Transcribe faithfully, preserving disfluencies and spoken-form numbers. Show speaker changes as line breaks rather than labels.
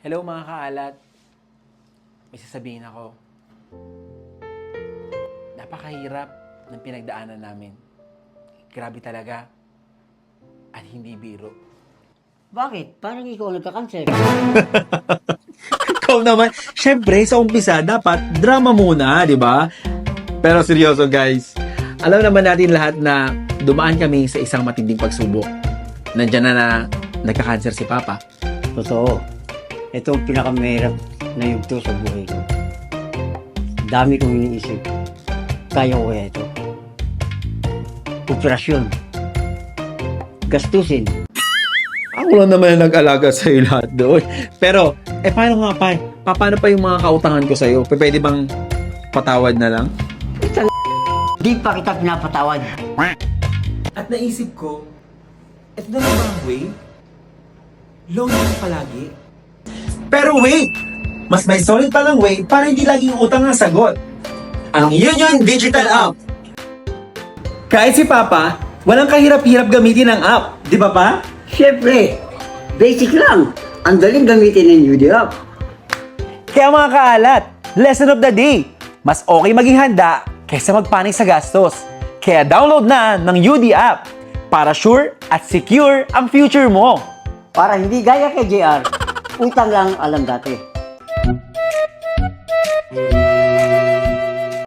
Hello mga kaalat. May sasabihin ako. Napakahirap ng pinagdaanan namin. Grabe talaga. At hindi biro.
Bakit? Parang ikaw nagka-cancer.
Ikaw naman, syempre sa umpisa dapat drama muna, di ba? Pero seryoso guys, alam naman natin lahat na dumaan kami sa isang matinding pagsubok. Nandiyan na na nagka-cancer si Papa.
Totoo. Ito ang pinakamahirap na yugto sa buhay ko. Dami kong iniisip. Kaya ko kaya ito. Operasyon. Gastusin.
Ako lang naman ang nag-alaga sa'yo lahat doon. Pero, eh paano nga pa? Pa- Paano pa yung mga kautangan ko sa'yo? P- Pwede bang patawad na lang?
Di pa kita pinapatawad.
At naisip ko, ito na lang ba ang way? Loan lang palagi.
Pero wait! Mas may solid palang way para hindi laging utang ang sagot. Ang Union Digital App.
Kahit si Papa, walang kahirap-hirap gamitin ang app. Di ba pa?
Siyempre, basic lang. Ang daling gamitin ng U D app.
Kaya mga kaalat, lesson of the day. Mas okay maging handa kaysa magpanik sa gastos. Kaya download na ng U D app para sure at secure ang future mo.
Para hindi gaya kay J R, utang lang alam dati.